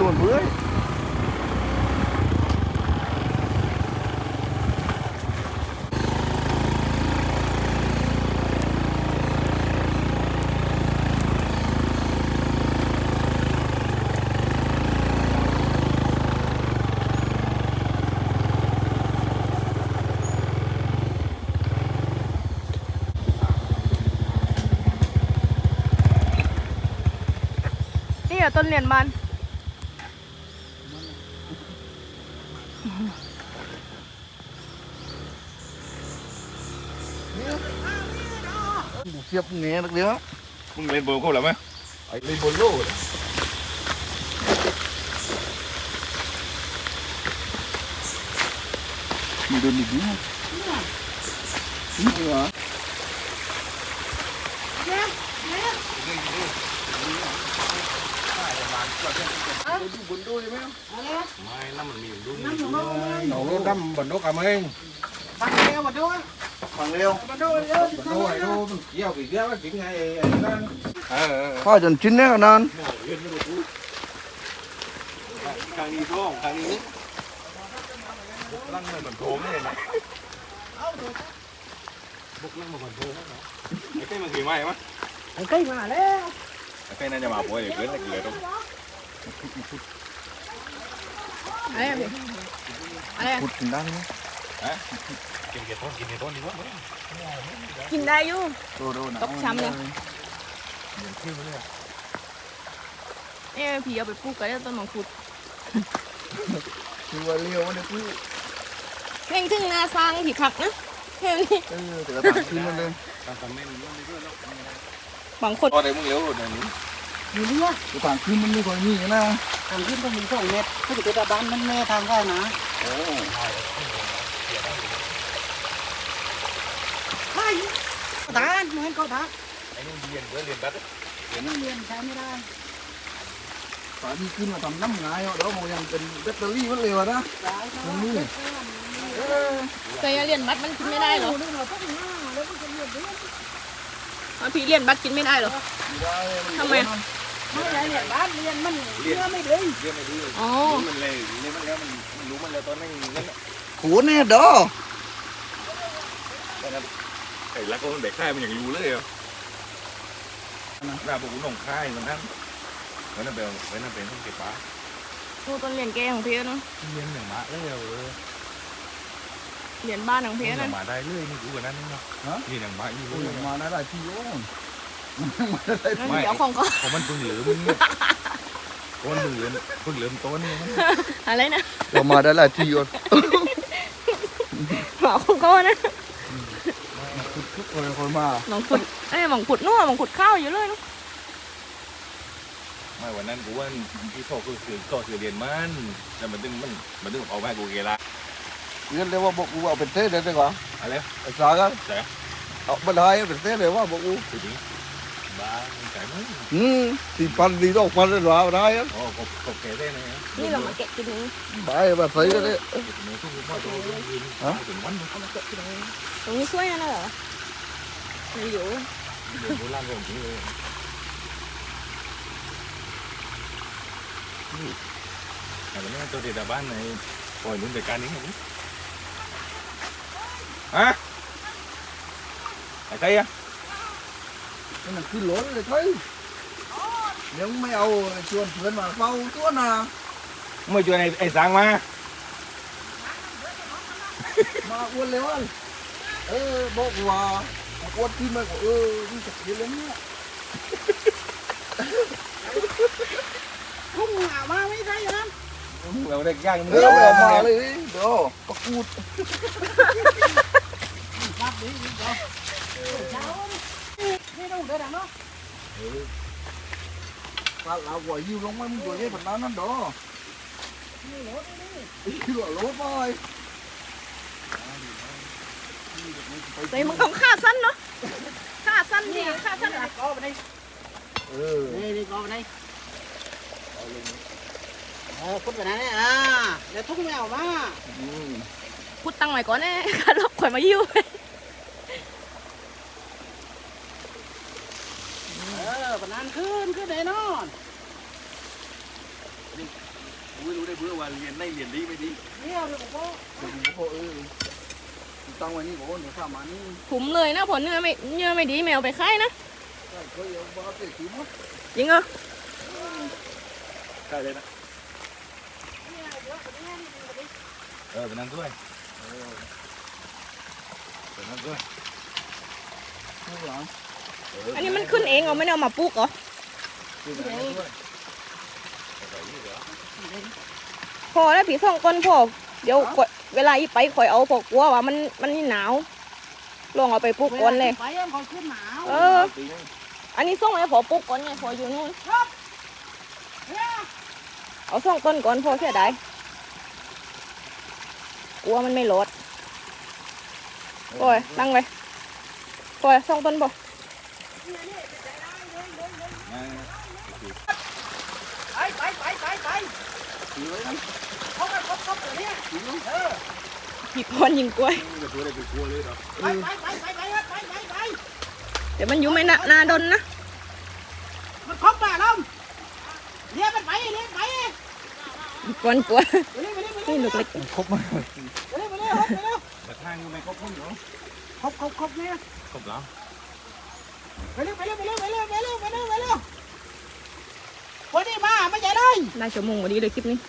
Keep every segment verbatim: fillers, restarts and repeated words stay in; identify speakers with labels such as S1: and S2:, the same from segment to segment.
S1: luôn bưởi
S2: นี่อะต้นเหรียญมัน
S1: siap nghe được nữa
S3: มึงเล่นโบว์เขาหรือไม่ไอ้เล่นโบว์โล่
S1: mình đơn đi nữa đúng rồi hả bún đôi đấy mấy không?
S3: ไม่น้ำมันมีอยู่ด้วย
S4: Nấu lô đâm bẩn đốt cảm ơn.
S1: Bằng leo
S4: Bẩn đốt này đô mình kéo bị ghé cái chuyện này đang.
S1: Thôi dần chín đấy con
S3: ครั้งนี้ท้องครั้งนี้ลั่งเหมือนโถงเลยนะบุกลั่งเหมือนโถงนะไอ้เต้มันขี่ไหมมั้ย
S2: cây mà đấy
S3: ไอ้เต้น่าจะมาป่วยเกินแต่เกลือตรง
S2: อะไรอะพี่อะไรอะ
S1: Cụt thì đang nhé
S3: ฮะกินเกลือต้นกินเกลือต้นดีกว่า
S2: กินได้อยู่
S1: Đồ đồ nào
S2: Tóc xăm này. เอ้ผีเอาไปปลูกกันแล้วต้นมังคุด
S1: Thì vào liều nó cứ
S2: เพ่งถึงนาสร้างผีผักนะเพ่งนี่
S1: ừ, thì là thẳngขึ้นมันเลย
S3: ทำทำไม่รู้ไม่รู้แล้ว
S2: บางคน
S3: พอได้มึงเลี้ยวหน่อยนี้
S4: Nhiều nữa.
S1: cái thẳngขึ้นมันไม่ค่อยมีนะ
S4: Thằng Kim cho mình sổ mệt. Thế thì cái ta bán nó mê thằng cái mà. Hai. Đá, nói câu đá.
S3: ไอ้นี่เรียนเพื่อเรียนบัตร
S4: Nó liền sao mới ra.
S1: ฝาดีขึ้นมาทำน้ำงายเอาเดี๋ยวมันยังเป็นแบตเตอรี่มันเร็วนะ
S4: Đấy, nó
S1: Nó mưa.
S2: เคยเรียนบัตรมันกินไม่ได้เหรอ
S4: Đây là tất cả nó, nó cũng có nhiều đứa.
S2: เอาพี่เรียนบัตรกินไม่ได้เหรอ ทำไม
S4: Mấy cái này bán liền mình chưa mới đi.
S3: เรียนไม่ดีเลย
S2: อ๋อ
S3: รู้มันเลยเรียนมันแล้วมันมันรู้มันแล้วตอนนั้นนั่น
S1: หัวเนี่ยดอ
S3: ตอนนั้นไอ้รักก็มันเด็กค่ายมันอย่างรู้เลยอ่ะหน้าพวกกูหนองค่ายมันนั่นมันนั่นเป็นมันนั่นเป็นต้องเก็บปลา
S2: ดูต้นเหรียญแกของพี่เนาะ
S3: เรียนอย่างมาเลยเออ
S2: เหรียญบ้านของพี่
S3: อ
S2: นั่
S3: ย่าน งมาได้เลยนี่กูกว่านั้นเนาะเรียนอย่างมาอยู่
S1: โอ้ย
S3: เลย
S1: มาได้หลายทีโอ้ยมาได้หลาย
S2: นั่น
S1: ที
S2: เดี๋ยวของก็
S3: เพราะมันเพิ่งเหลือมึงก้อนเพิ่งเหลือเพิ่งเหลือต้นนี่มัน
S2: อะไรนะ
S1: เรามาได้หลายทีก่อน
S2: หมอของก็นะ
S1: คุดคุดคนคนมา
S2: หมองขุดเอ้ยหมองขุดนู่นหมองขุดข้าวอยู่เลยเนาะ
S3: ไม่วันนั้นกูว่าที่พ่อคือคือก็คือเรียนมันแต่มันตึงมันมันตึงเอาไปกูเกล้า
S1: เรียนเรียกว่าบอกกูเอาเป็นเต้ได้ไหมวะ
S3: อะไร
S1: ไอ้สากัน
S3: แต่
S1: เอาบันไดเป็นเต้เลยว่าบอกกู
S3: คือจริงบ้าใจมึง
S1: อืมสี่พันดีดอกพันเลยหรอได้อะ
S3: อ๋อก็ก็แก่ได้นะ
S2: นี่เรามาแกะกินนี้
S1: บายแบบใส่ก็ได้
S3: ในทุกพ่อตัวยืนถึงวันนึง
S2: เอามาแกะกินนี้ตรงนี้ช่วยนะเหรอไม่อยู่
S3: เดี๋ยวโบราณก็จริงเลยแต่ไม่ตัวเด็กบ้านในปล่อยลุ้นแต่การนี้ไงฮะไอ้ใครอะ
S1: cái này cứ lớn rồi thấy nếu mấy âu chuồn phớn mà phao tuốt nào
S3: ไม่ช่วยไอ้สางมา
S1: mà uốn léo ăn ơ bộ của uốn tim mà của ơ đi chặt đi lên nhá
S4: Không nào mà mới thấy lắm.
S3: เราได้ย่างมึง
S1: ơ
S3: เรา
S1: mà
S3: มา
S1: mà
S3: เลย
S1: lấy đó có cút
S4: Bắt đi, đi cho. Cháu đi. Đi đâu để đằng đó.
S1: ta là quả yêu lông mấy người cái phần đó nó đó đi lỗ lỗ thôi
S2: เฮ้ยมึงต้องฆ่าสั้นเนาะฆ่าสั้นดิฆ่าสั้นอะ
S4: Có vào đây.
S1: ừ
S4: Đi, đi, có vào đây. Ờ, phút vào đây này. À, để thúc mèo mà.
S1: ừ
S2: พูดตังค์ใหม่ก่อนแน่ค่าลบข่อยมายิ้ว
S4: Ờ, còn ăn khươn, cứ để nó.
S3: อุ้ยรู้ได้เพื่อว่าเรียนได้เรียนดีไม่ดี
S4: เนี่ยเดี๋ยวผมก็
S1: เดี๋ยวผมก็เออตั้งไว้นี่ก่อนเดี๋ยวข้ามานี่
S2: ถุมเลยนะผลเนื้อไม่เนื้อไม่ดีแมวไปค่ายนะ
S1: ใช่เคยเอาบ้าเตะขี้มั้ง
S2: จริงเหรอ
S3: ใช่เลยนะ
S4: เนี่ยเดี๋ยวคนนี้นี่ดูดิ
S3: เออเป็นนั่งด้วยเออเป็นนั่งด้วย
S1: ข้างหลัง
S2: อันนี้มันขึ้นเองเหรอไม่ได้เอามาปลูกเหรอ
S1: คือไหนด้วย
S2: พอแล้วผีส่องก้นพอเดี๋ยวข่อยเวลาอีไปข่อยเอาพอกกลัวว่ามันมันนี่หนาวลองเอาไปปลูกก่อนเลย
S4: ไปยังคอยขึ้นหนาว
S2: เออ อันนี้ส่งให้พอปลูกก่อนไงพออยู่นู่น
S4: เนี่ย
S2: เอาส่องต้นก่อนพอเสียดายกลัวมันไม่รอดโอ้ยตั้งไว้โอ้ยส่องต้นบ่
S4: ไปไปไปไปไป
S1: ถือไว้นะ
S4: เขาไปครบครบเลยเนี่ยเออ
S2: ผีพรยิงกล้วย
S3: จะตัวอะไรไปกลัวเลยเหรอ
S4: ไปไปไปไปไปไปไปไป
S2: เดี๋ยวมันอยู่ไม่นานาดนนะ
S4: มันครบป่ะล่ะเรียกมันไปเรียกไป
S2: ผีพรกลัว
S4: ไปเร็วไปเร็วไป
S2: นี่
S4: เร็ว
S2: ลูกเล็ก
S1: ครบมั้ย
S4: ไปเร็วไปเร็วไปเร็ว
S3: แต่ทางยังไม่ครบพุ่งเหรอ
S4: ครบครบครบเนี่ย
S3: ครบแล้ว
S4: ไปเร็วไปเร็วไปเร็วไปเร็วไปเร็วไปเร็วไปเร็ววันนี้มาไม่ใช่เลย
S2: ได้ชั่วโมงพอดีเลยคลิปนี้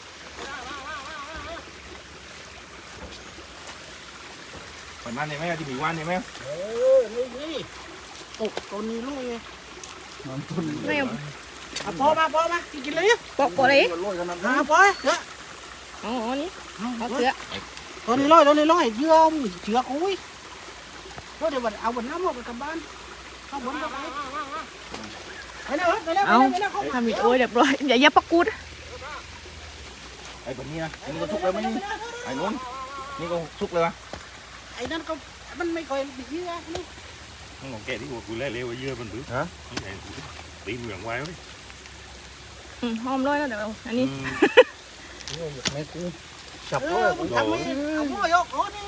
S3: วันนั้นเนี่ยแม่ที่มีวันเนี่ยแม่
S4: เออนี่นี่โอ้ตัวนี้ลุย
S1: น้ำต้น
S2: ไม่เอา
S4: อ่ะพอมาพอมากินเลย
S2: ปอกปอกเลย
S1: มันลอยขนาด
S4: อ่ะ
S1: นั้น
S4: พอเถอะ
S2: อ๋ออ๋อนี่
S4: เอา
S2: เอา
S4: เถ
S2: เสือ
S4: อะตัวนี้ลอยตัวนี้ลอยเยื่อมเชือกอุ้ยแล้วเดี๋ยวเอาบนน้ำไปกลับบ้านเอาบนไปไปเร็วไปเร็วไป
S2: เอา
S4: เร็วไปเร็วเขา
S2: ทำอีกโอ้ยเรียบร้อยอย่าอย่าปักกูด
S3: ไอ้แบบนี้นะนี่ก็ทุกเลยไหมไอ้นู้นนี่ก็ทุกเลยวะ
S4: ไอ้นั่นก็มันไม่ค่อยดีเยื่อนี่
S5: มึงของแกที่กูเล่เร็วเยอะมันบื้อฮะนี่ไงตีเหมืองไว้ไหม
S2: อืมหอมเลยนะเดี๋ยวอันนี้
S1: แม่กูจับ
S4: เอ
S1: เล
S4: อย มึงทำไม่เอาพ่อยกโอ้นี่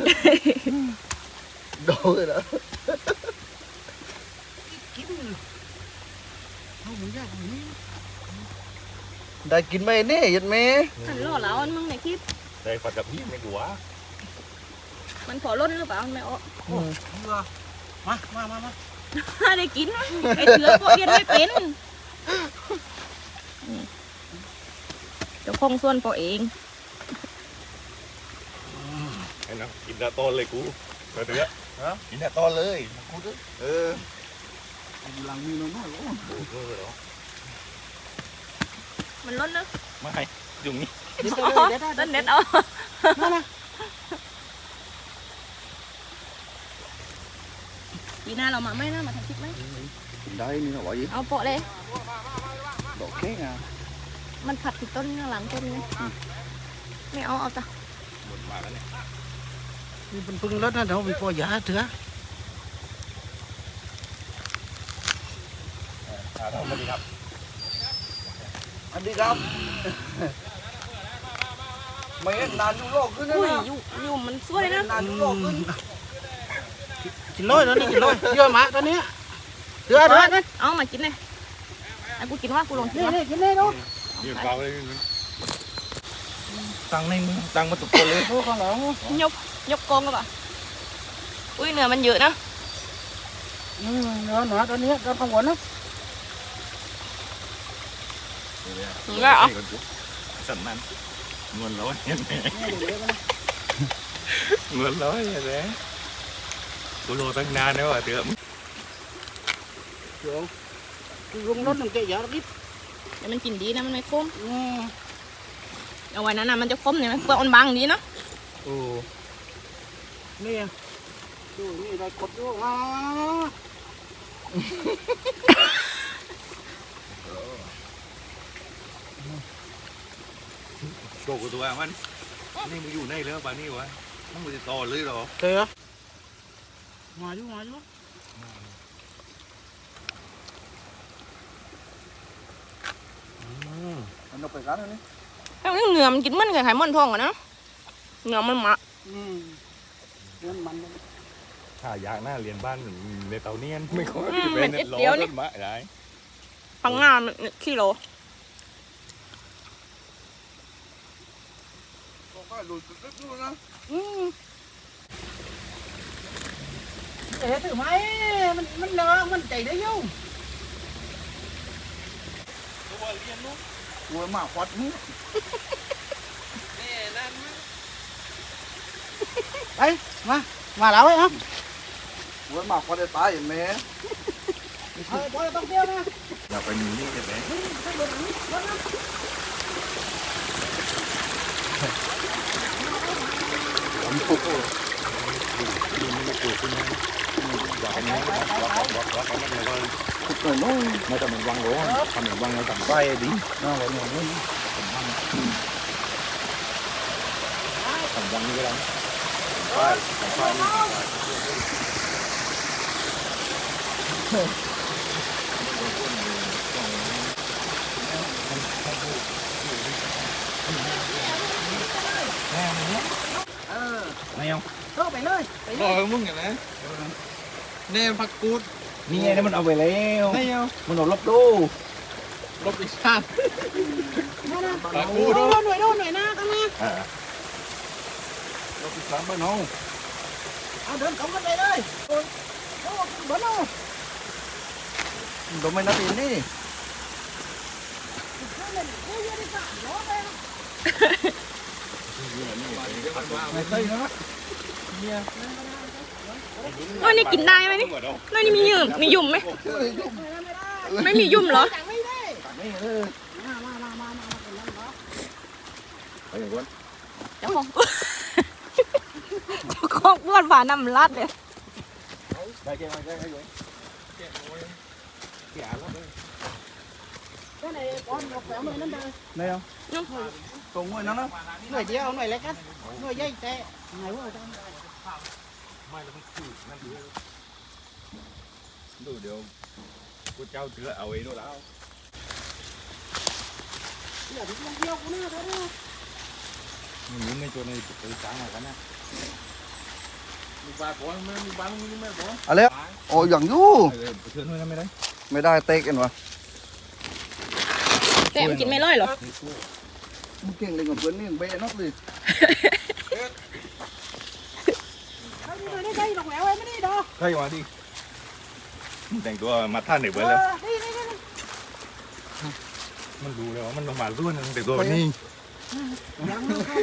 S1: โดนเลยนะ
S4: กินเอาหมูย่างหมูนี่
S1: ได้กินไหมเนี่ยยัดแม่
S2: หันล่อแล้วอันมึงในคลิป
S5: ได้ฝัดกับพี่ไม่กลัว
S2: มันขอล้นหรือเปล่าไม่เอา
S4: เยื่อมามามามา
S2: ได้กินนะไอเสือพวกเรียนไม่เป็นอืมเดี๋ยวคงส่วนพอเอง
S5: ไอ้น้ำกินดาต้นเลยกูเถอะฮะ
S3: กินแต่ตอนเลย
S1: กูด้วย
S3: เออ
S1: หลังมีน้อยๆก็
S5: โอ้โหเหรอ
S2: มันล้นนะ
S3: ไม่อยู่นี่
S4: เดี๋ยว
S2: อ๋อ
S4: เดี๋ยว
S2: ล้นเน็ตเอา
S4: มามา
S2: ปีหน้าเรามาไหมนะมาทำคลิปไหม
S1: ได้นี่นะวะยี่
S2: เอาโปะเลย
S1: ดอกแค่งอ่ะ
S2: มันผัดผิดต้นหลังต้นไงไม่เอาเอาจ้ะ
S3: หมดมาแล้วเนี่ย
S4: นี่เป็นพึ่งรถนะเดี๋ยวมันพอยาเถอะ
S3: อ่าทำมาดีครับ
S1: อันนี้ครับไม่เห็นนานอยู่โลกขึ้นนะ
S2: อุ้ย
S1: นะ
S2: อยู่อยู่มันสวยนะ
S1: นานอยู่โลกขึ้น
S4: กินเลยตอนนี้กินเลยเยื่อหมาตอนนี้เยื่อเถอะนี่
S2: เอามากินเลยไอ้กูกินว่ากูลองกินว่า
S4: นี่กินเลยดู
S5: ยืนเปล่าเลย
S3: ตั้งในมือตั้งมาตุกคนเลย
S4: ดูข้างหลัง
S2: ยกยกกองก็ป่ะอุ้ยเนื้อมันเยอะนะ
S4: อืมเนื้อหนาตอนนี้ตอนข้างบนนะ
S2: ถึงแล้วเหรอ
S3: สันนั้นเงินร้อยเห็นไหมเงินร้อยเห็นไหมกูรอตั้งนานแล้วอ่ะเถอะ
S4: เดี๋ยวลงรถหนึ่งแกอย่ารีบ
S2: เดี๋ยวมันกินดีนะมันไม่คม
S4: อืม
S2: เอาไว้นั้นนะมันจะคมเนี่ยมันเปลือกมันบางดีเนาะ
S1: โอ้
S4: นี่ดูนี่ได้กดด้วยอ่า
S3: โตกูตัวมันนี่มึงอยู่ในแล้วป่ะนี่วะมึงจะต่อเลยหรอ
S4: เตะมาอยู่มาอยู่
S1: อันนั้นไปกันนี่
S2: แล้วนี่เนื้อมันกินมันกับไข่มันทองอะนะเนื้อมันหมา
S4: อืมเดินมัน
S5: ถ้าอยากหน้าเรียนบ้านในเตาเนียนไม่ค่อย
S2: อืม
S5: เป็
S2: เป็น
S5: น
S2: เอ็ด
S5: ล้อ
S2: เดียว
S5: ร
S2: นี่
S5: ถมาได้
S2: พังงามันขี้โล
S1: ก็หลุดตึ๊ดๆดูนะ
S4: อืมเอ๋ถือไหมมันมันเลอะมันใจได้อยุ่ง
S1: กลัวหมาควัดมึง
S4: ไปมามาแล้วไอ้เอ้าก
S1: ลัวหมาควัดจะตายอย่างแม่
S4: เออพอต้องเที่ยวนะ
S3: อย่าไปมีนี่กันเลย
S1: ทุกคนน้องไม่ต้องมันวางหรอกทำมันวางในต่ำใต้ดิน่าหวานหวานเลยต่ำวางนี่ก็ได้ใต้ต่ำใต้นี่เออ
S3: ไม่เอา
S4: เข้าไปเลยไปเล
S1: รอย มึงอย่างไรแน่พักกูด
S3: นี่ไงนี่มันเอาไปแล้ว
S1: ไม่เอา
S3: มันโดนลบดู
S1: ลบอีกชาติ
S4: มานะ
S1: พัก
S4: โอ้
S1: กูด
S4: โหหน่วยโน่นหน่วยหน้ากันนะ
S3: อ่า
S1: ลบอีกสามบ้านน้อง
S4: เอาเดินกลับกันไปเลยโอ้ยโอ้ยเบิร์นเอา
S1: โดนไม่นัดอีนี่ ไม่ใช่นะเนี่ย
S2: น้อยนี่กินได้ไหมนี่น้อยนี่มียุ่มมียุ่มไหม
S1: เฮ้ยยุ่ง
S2: ไม่มียุ่มเหรอ
S4: จังไม่ได้
S1: ตัดไม่เลย
S4: มามามามามาเป็นนั่นเหรอ
S3: ไปอย่างนั้น
S2: เจ้าของเจ้าของบ้วนฝาน้ำรัดเลย
S3: ได้แค่ไหนได้แค่ไหนแค่แล้วเลย
S4: cái này con một vẻ mười năm đời
S1: ไหนอ่ะตรงไว้นั่นนะ
S4: người chia ông này lấy cắt người dây tệ ngày bữa trong
S3: ไม่แล้วมันคือนั่นดูดูเดี๋ยวกูเจ้าเถื่อเอาไว้ดูแล้ว
S4: giờ thì không yêu của nó thế đâu
S3: มันมีในตัวในตัวช้างมากันนะมีปลาปอนมีปลาลูกนี่ไม่ปอน
S1: อะไรโอ้อย่างยู่
S3: เถื่อนด้วยนะไม่ได้
S1: ไม่ได้เตะกันวะ
S2: แต่มันกินไม่ร่อยเหรอ
S1: มึงเก่งเลยกับเพื่อนนี่เบะนักเลย
S4: đây đây đây đồng lẹo em mới đi đâu
S3: ใช่มาดิแต่งตัวมาท่านเด็กไว้แล้ว
S4: đi đi đi
S3: มันรู้แล้วว่ามันมารุ่นแต่งตัวแบบนี้
S4: nhận luôn không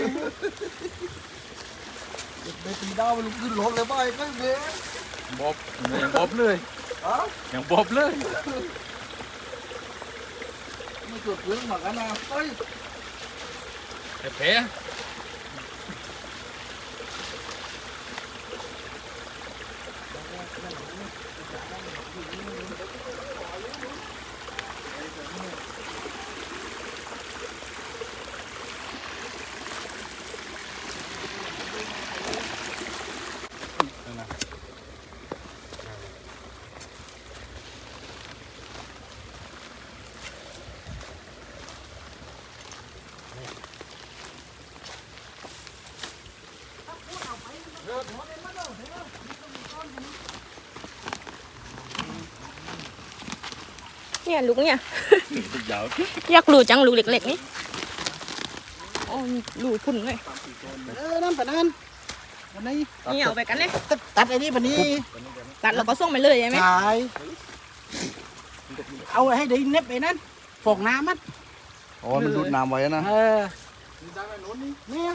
S1: เบะตีดาวมันขึ้นรถเลยไปก็เบะ
S3: บ๊อบอย่างบ๊อบเลย
S1: อ๋อ
S3: อย่างบ๊อบเลย
S1: ไม่เกิดเรื่องหมักกันนะเฮ้ย
S3: แต่แพ้
S2: เนี่ยลูกเนี่ย
S3: ยาว
S2: อยากรู้จังลูกเล็กๆนี่อ๋อลูกพุ่นเลย
S4: ờ năm phần ăn phần này
S2: นี่เอาไปกันเลย
S4: tắt tắt cái đi phần đi
S2: ตัดแล้วก็ส่งไปเลยใช่ไหม
S4: trời ông hay đi nếp vậy nè phột nam á
S1: อ๋อมันดูดน้ำไว้นะ
S4: ờ nè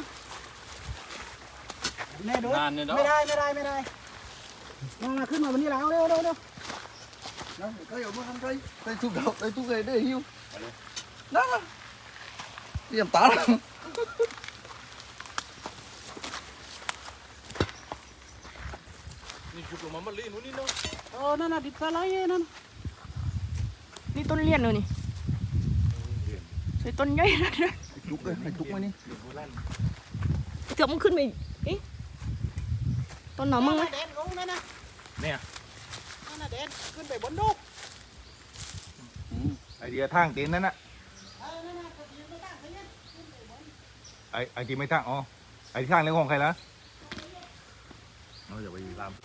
S4: nè đốiไม่ได้ไม่ได้ไม่ได้มาขึ้นมาวันนี้แล้วเร็วเร็วเร็ว
S1: นั่นก็อย่ามาทำใจใจทุกดอกใจทุกเลยได้หิวนั่นนะเตรียมตา
S3: นี่คือตัวมันลีนู้นนี่เนาะ
S4: ờ nó là thịt pha lấy nó
S2: นี่ต้นเลี้ยนเลยนี่ใส่ต้นใหญ่นะ
S1: จุกเลยให้จุกมานี่
S2: เกือบมันขึ้นไปเอ๊ะต้นหนอมึงไหม
S4: đen luôn đây nè
S3: เนี่ย
S4: nó là đenขึ้นไปบนลูก
S3: ไอเดียทางตีนนั่นน่ะไอไอที่ไม่ทางอ๋อไอที่ทางเรื่องของใครนะเราอย่าไปตาม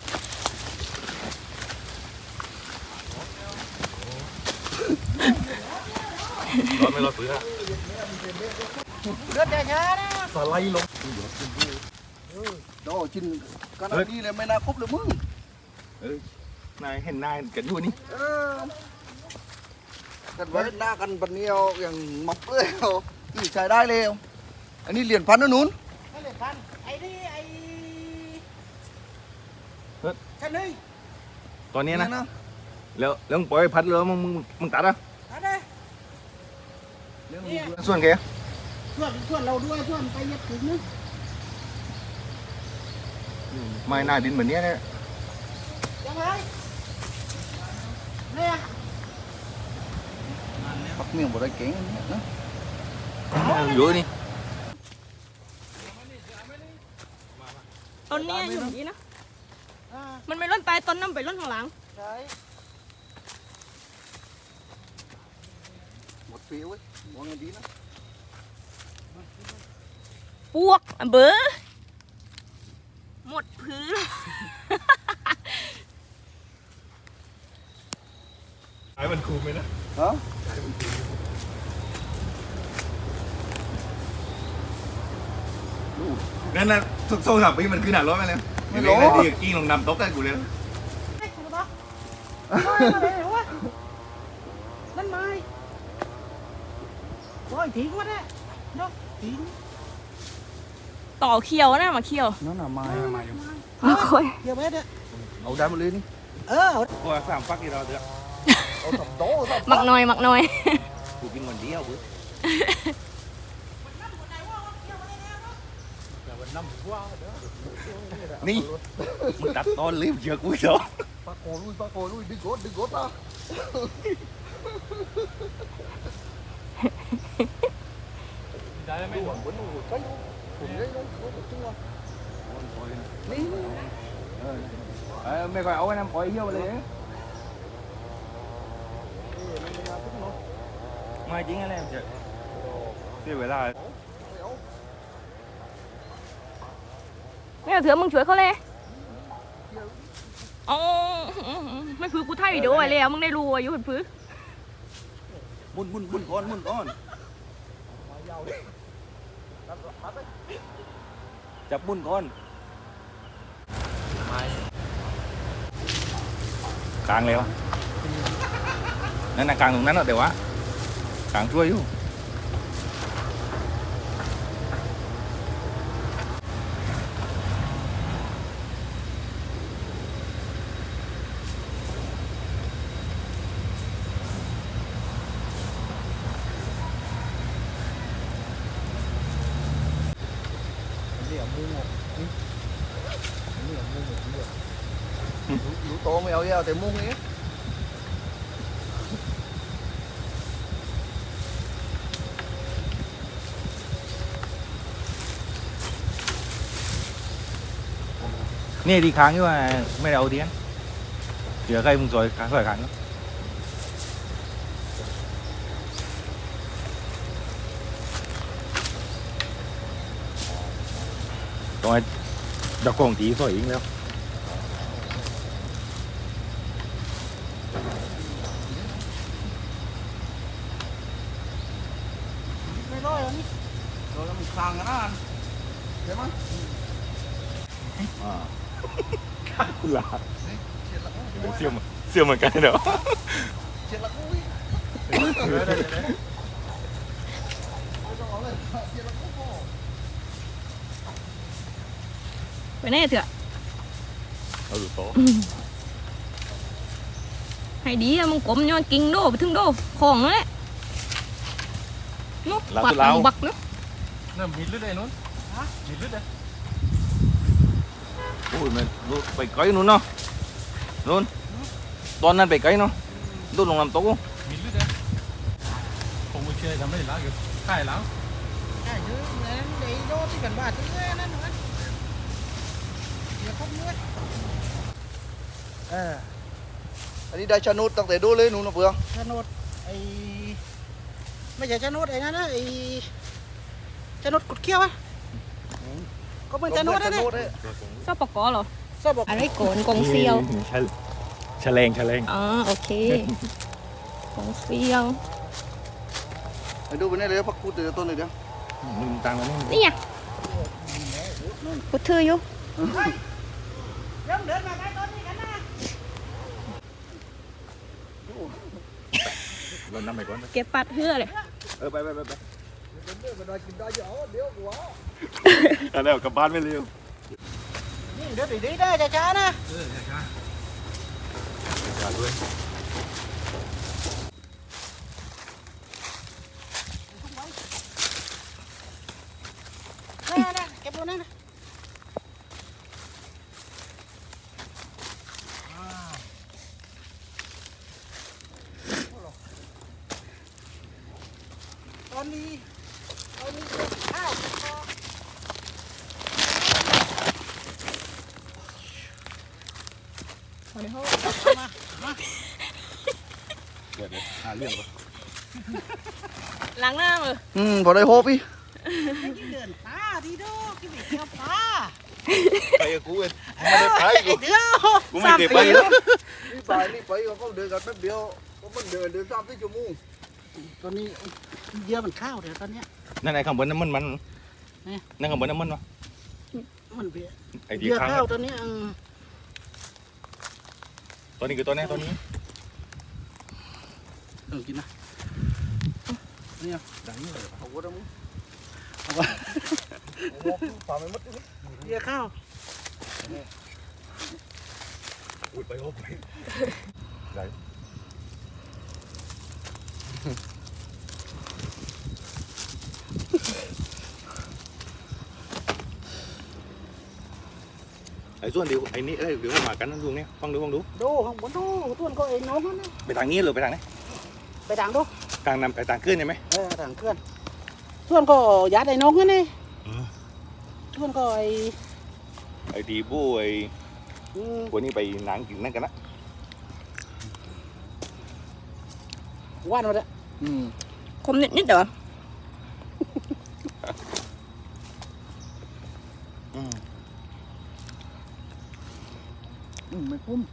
S3: ร้อนไม่ร้อนปื้อ
S4: Rớt ra nhá đó.
S1: สไลด์ลงโดจินกันอันนี้เลยไม่น่าครบเลยมึง
S3: นายเห็นนายกันอยู่นี่
S1: เออกันไว้หน้ากันบันเนียวอย่างมับเลยเอาที่ใช้ได้เลยอันนี้เหรียญพันนะนุ้น
S4: ไอ้เหรียญพันไอ้นี่ไอ้ฉันนี่
S3: ตอนนี้นะแล้วแล้วมึงปล่อยพัดเลยมึงมึงมึงตัดอ่ะ
S4: อะไร
S3: ส่วนแก
S4: ชวนชวนเราด้วยชวนไปยัดถึงนึง
S3: ไม่น่าดินเหมือนเนี้ยเนี่ย
S4: ยังไงเนี่ย
S1: ปักเมี่ยงบ่ได้เก่งนะ
S3: เยอะนี่
S2: ต้นเนี้ยอยู่อย่างนี้นะ
S4: อ่า
S2: มันไม่ร่นไปต้นน้ำไปร่นข้างหลัง
S4: ใช่
S1: หมดปีเว้ยมองไงดีนะ
S2: ปวกอ่ะเบอหมดพื้น
S3: ไอ้มันคูมไหมนะ
S1: ฮะ
S3: นั่นน่ะสุกโซ่สามปีมันคือหนักร้อนไปเลยไม่รู้ดีกิ้งลงน้ำตกได้กูเลย
S4: ไอ้คุณบ้าไม่มาเลยวะนั่นไม่โอ้ยทิ้งวะเนี่ยเนาะทิ้ง
S2: ต่อเคียวนะมาเคียว
S1: นั่นน่ะไม้
S3: มาอยู่
S2: มาคุย
S4: เดี๋ยวไปเนี่ย
S1: เอาได้มาเลยนี่
S4: เออ
S3: กูสามฟักที่เราเดือด
S1: เอาสับโต๊ะสับ
S2: หมักหน่อยหมักหน่อย
S3: กูกินวันเดียวกูนี่มึงตัดตอนรีบเชือกกูเหรอ
S1: ปากโกลุยปากโกลุยดึงกดดึงกดอ่ะได้ไหมหวังบนหัวใจผมได้ลงเขาตัวนี่
S3: เออไม่ค่อยเอาไว้น้ำปล่อยเหี้ยวไปเลยไม่จริงอะไรจะเสียเวลา
S2: ไม่เอาเถอะมึงช่วยเขาเลยอ๋อไม่พื้นกูถ่ายวิดีโอไว้แล้วมึงได้รู้ว่าอยู่บนพื้น
S3: บุญบุญบุญก้อนบุญก้อนจับบุญก้อนกลางเลยวะนั่นน่ะกลางตรงนั้นเนาะแต่ว่ากลางช่วยอยู่
S1: รู้โตไม่เอาเยอะแต่มุ้งนี้
S3: นี่ดีค้างอยู่ว่าไม่ได้เอาเทียนเดี๋ยวใครมึงซอยค้างซอยค้างต้องไอ้ดอกกงจีซอยอีกแล้ว
S4: ไม่ร้อยวันนี้
S1: เราแล้วมันคลางกันนะใช่ไหม
S3: คุณลาเสี่ยมเสี่ยมเหมือนกันเนาะ
S1: เช็ดละกุ้ยไม่ต้องเอาเลยเช็ดละกุ้ย
S2: ไปแน่เถอะ
S3: เอาดูโต
S2: ให้ดีอะมึงกลมย้อนกิ่งโดไปถึงโดของนั่นแหละนุ๊กปัดบักเนาะ
S5: นั่นมีลึกเลยนู้นมีลึกเลย
S3: โอ้ยมันไปไกลนู้นเนาะนู้นตอนนั้นไปไกลเนาะดูลงน้ำตก
S5: มีลึกเลยผมไม่เชื่อทำไม่ได้แล้วอยู่ใช่แล้ว
S4: ไอ้เนื้อนั้นไอ้โดที่กันบ้านที่เนื้อนั่นนะเดี๋ยวพบเนื้อ
S1: เอออันนี้ได้ชานุดตั้งแต่ดูเลยหนูนะเพื่อน
S4: ชนดไอ้ไม่ใช่ชนดไอ้นั่นนะไอ้ชนดกุดเขี้ยวอะก็เป็นชนดนั่นแหละ
S2: ชอบปอกกอเหรอ
S4: ชอบบอก
S2: อะไรโกนกงเซียว
S3: แฉลงแฉลง
S2: อ๋อโอเคกงเซียว
S1: ไปดูไปนี่เลยพักกูเตือนต้นเลยเดี๋ยว
S3: มึงตังแล้วนี่
S2: นี่ไงกูถืออยู่
S4: เริ่มเดินมาใกล้ต้นนี้กันนะ
S3: เรานำไปก่อนนะ
S2: เก็บปัดเหือเลย
S3: เออไปไปไปไป
S1: เดี๋ยวมันได้กินได้เยอะเดี๋ยวกูเอา
S3: เอาแล้วกลับบ้านไม่เร็ว
S4: นี่เดินดีๆได้ช้าๆนะ
S3: เออช้าช้าด้วย
S4: นั่นๆเก็บลงนั่นนะตอนนี้ตอนนี้เก็บข้าวพอ
S2: มาในห้อง
S4: มามา
S3: เดี๋ยวเดี๋ยวหาเรื่องก่อน
S2: ล้างหน้ามือ
S1: อืมพอได้โฮปอี
S4: ไอ้ที่เดินตาดีดูกินไปเที่ยวปลา
S3: ไปกับกูเองไม่ได้ไป
S4: ไอ้
S3: กู
S4: เดียว
S3: กูไม่เก็บไปแล้ว
S1: นี่ไปนี่ไปเขาเดินกันแป๊บเดียวมันเดินเดินสามสี่ชั่วโมง
S4: ตอนนี้เยอะมันข้าวเดี๋ยวตอนเนี้ย
S3: นั่นไอ้ข้างบนน้ำมันมัน
S4: นี่
S3: นั่นข้างบนน้ำมันวะ
S4: มันเบี้ย
S3: ไอ้ที่
S4: เยอะ
S3: ข้าง
S4: ข้าวตอนนี้อืม
S3: ตัวนี้คือตัวนี้ตัวนี้
S4: เออกินนะ
S3: ดังนี่เลย
S1: เอาวัวดมึง
S4: เอาวะ
S1: วัวฝ่าไม่มัดเลย
S4: เยอะข้าว
S3: อุ้ยไปโอ้ไปไหนไอ้ส่วนเดียวไอ้นี่ไอ้เดี๋ยวมากันนั่นดูเนี่ยฟังดูฟังดู
S4: ดูข้างบนดูต้นก็เองน้องนั่นนะ
S3: ไปทางนี้หรือไปทางไหน
S4: ไปด่างดู
S3: ทางนำไปทางขึ้นใช่ไหม
S4: เออด่างเคลื่อนส่วนก็ยัดไอ้น้องนั่นนี่ส่วนก็ไอ้
S3: ไอ้ดีบู้ไอ้
S4: อืม
S3: พวกนี้ไปหนังกินนั่นกันนะ
S4: ว่านมาเลย
S1: อืม
S2: คมนิดนิดเดี๋ยว
S3: อืม
S1: อืมไม่คุ้ม